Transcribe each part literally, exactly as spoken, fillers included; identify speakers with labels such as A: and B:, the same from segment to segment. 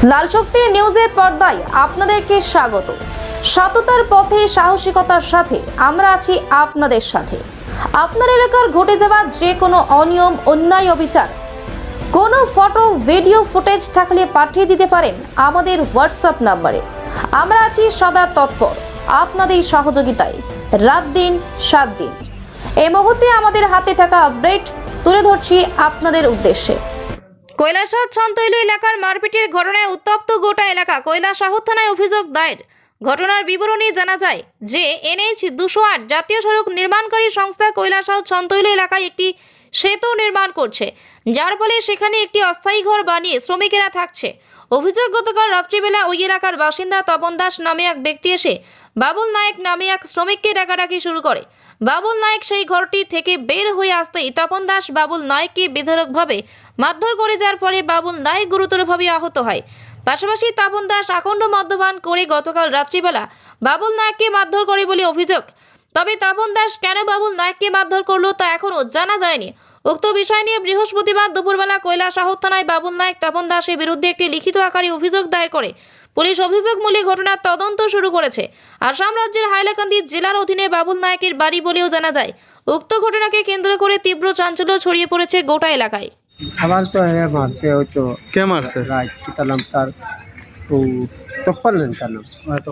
A: লাল শক্তি নিউজের পর্দায় আপনাদেরকে স্বাগত। সততার পথে সাহসিকতার সাথে আমরা আছি আপনাদের সাথে। আপনার এলাকার ঘটে যাওয়া যে কোনো অনিয়ম, অন্যায়, অবিচার, কোনো ফটো, ভিডিও ফুটেজ থাকলে পাঠিয়ে দিতে পারেন আমাদের হোয়াটসঅ্যাপ নাম্বারে। আমরা আছি সদা তৎপর আপনাদের সহযোগিতায়, রাত দিন সাত দিন। এই মুহূর্তে আমাদের হাতে থাকা আপডেট তুলে ধরছি আপনাদের উদ্দেশ্যে। কৈলাসহর ছন্তৈল এলাকার মারপিটের ঘটনায় উত্তপ্ত গোটা এলাকা। কৈলাসহর থানায় অভিযোগ দায়ের। ঘটনার বিবরণী জানা যায় যে এনএইচ দুশো আট জাতীয় সড়ক নির্মাণকারী সংস্থা কৈলাসহর ছন্তৈল এলাকায় একটি সেতু নির্মাণ করছে, যার ফলে সেখানে একটি অস্থায়ী ঘর বানিয়ে শ্রমিকেরা থাকছে। অভিযোগ, গতকাল রাত্রিবেলা ওই এলাকার বাসিন্দা তপন দাস নামে এক ব্যক্তি এসে বাবুল নায়েক নামে এক শ্রমিককে ডাকাডাকি শুরু করে। বাবুল নায়েক সেই ঘরটি থেকে বের হয়ে আসতেই তপন দাস বাবুল নায়েককে বেধড়কভাবে মারধর করে, যার ফলে বাবুল নায়েক গুরুতরভাবে আহত হয়। পাশাপাশি তপন দাস আখণ্ড মদ্যপান করে গতকাল রাত্রিবেলা বাবুল নায়েককে মারধর করে বলে অভিযোগ। তবে তপন দাস কেন বাবুল নায়েককে মারধর করলো তা এখনও জানা যায়নি। উক্ত বিষয় নিয়ে বৃহস্পতিবার দুপুরবেলা কৈলাসহর থানায় বাবুল নায়েক, তপন দাসের বিরুদ্ধে একটি লিখিত আকারে অভিযোগ দায়ের করে পুলিশ অভিযোগমূলক ঘটনার তদন্ত শুরু করেছে। আসাম রাজ্যের হাইলাকান্দি জেলার অধীনে বাবুল নায়েকের বাড়ি বলেও জানা যায়। উক্ত ঘটনাকে কেন্দ্র করে তীব্র চাঞ্চল্য ছড়িয়ে পড়েছে গোটা এলাকায়।
B: আমার তো হ্যাঁ মারছে, ওই তো
C: কে মারছে?
B: রাইট কিতা নাম তার, ও তপন নেন তার নাম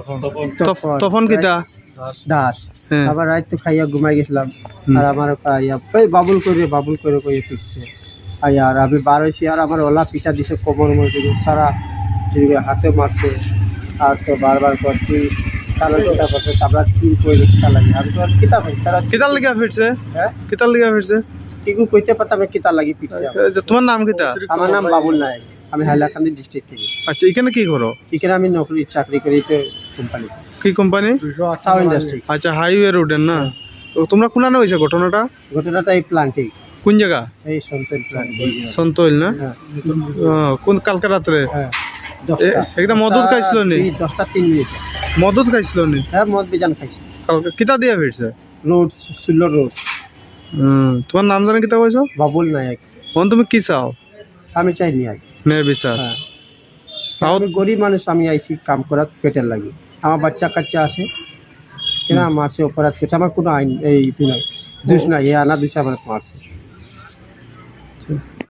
C: তফ- তখন কিতা
B: দাস।
C: হ্যাঁ।
B: আবার রাত তো খাইয়া ঘুমাই গেছিলাম, আর আমার আইয়া ওই বাবুল করে বাবুল করে কয়ে ফিরছে আইয়া, আর আমি বার হয়েছি, আর আমার ওলা পিঠা দিছে কোমর মধ্যে সারা জিনিস হাতে মারছে, আর তো বারবার করছি তারা কিতা করছে, তারপর চুল করে কিতা লাগে, আমি তো আর কিতা পাই তারা
C: কিতার লিগা ফিরছে?
B: হ্যাঁ
C: কিতার লিগা ফিরছে?
B: কিছু কইতে পারতাম না কিতা লাগি পিটছে।
C: এ যে তোমার নাম কিতা?
B: আমার নাম বাবুল নায়েক, আমি হাইলাকান্দি ডিস্ট্রিক্ট থেকে।
C: আচ্ছা, এখানে কি করো?
B: এখানে আমি নকরি চাকরি করি কোম্পানি
C: কি কোম্পানি?
B: সাউ ইন্ডাস্ট্রি।
C: আচ্ছা, হাইওয়ে রোডের না? তো তোমরা কোনানে হয়েছে ঘটনাটা?
B: ঘটনাটা এই প্লান্টে,
C: কোন জায়গা?
B: এই সন্তল প্লান্ট।
C: সন্তৈল না?
B: হ্যাঁ
C: আহ, কোন কালকে রাত্রে?
B: হ্যাঁ
C: এ- একদম মদত খাইছিল নি?
B: এই দশটা তিন মিনিট।
C: মদত খাইছিল নি?
B: হ্যাঁ মদ বিজান খাইছি।
C: কালকে কিতা দিয়া ফিরছে?
B: Road সুল্লো road.
C: হুম, তোমার নাম জানে কিতা কইছো?
B: বাবুল নায়ক।
C: এখন তুমি কি চাও?
B: আমি চাই নি আই।
C: নে বিচার।
B: হ্যাঁ
C: তাও-
B: আমি গরিব মানুষ, আমি আইসি কাম করার পেটের লাগি। আমার বাচ্চা কাচ্চা আছে, কেন মারছে, অপরাধ করছে, আমার কোনো আইন এই নাই, দোষ নাই, এ আনা দুষে আমার মারছে।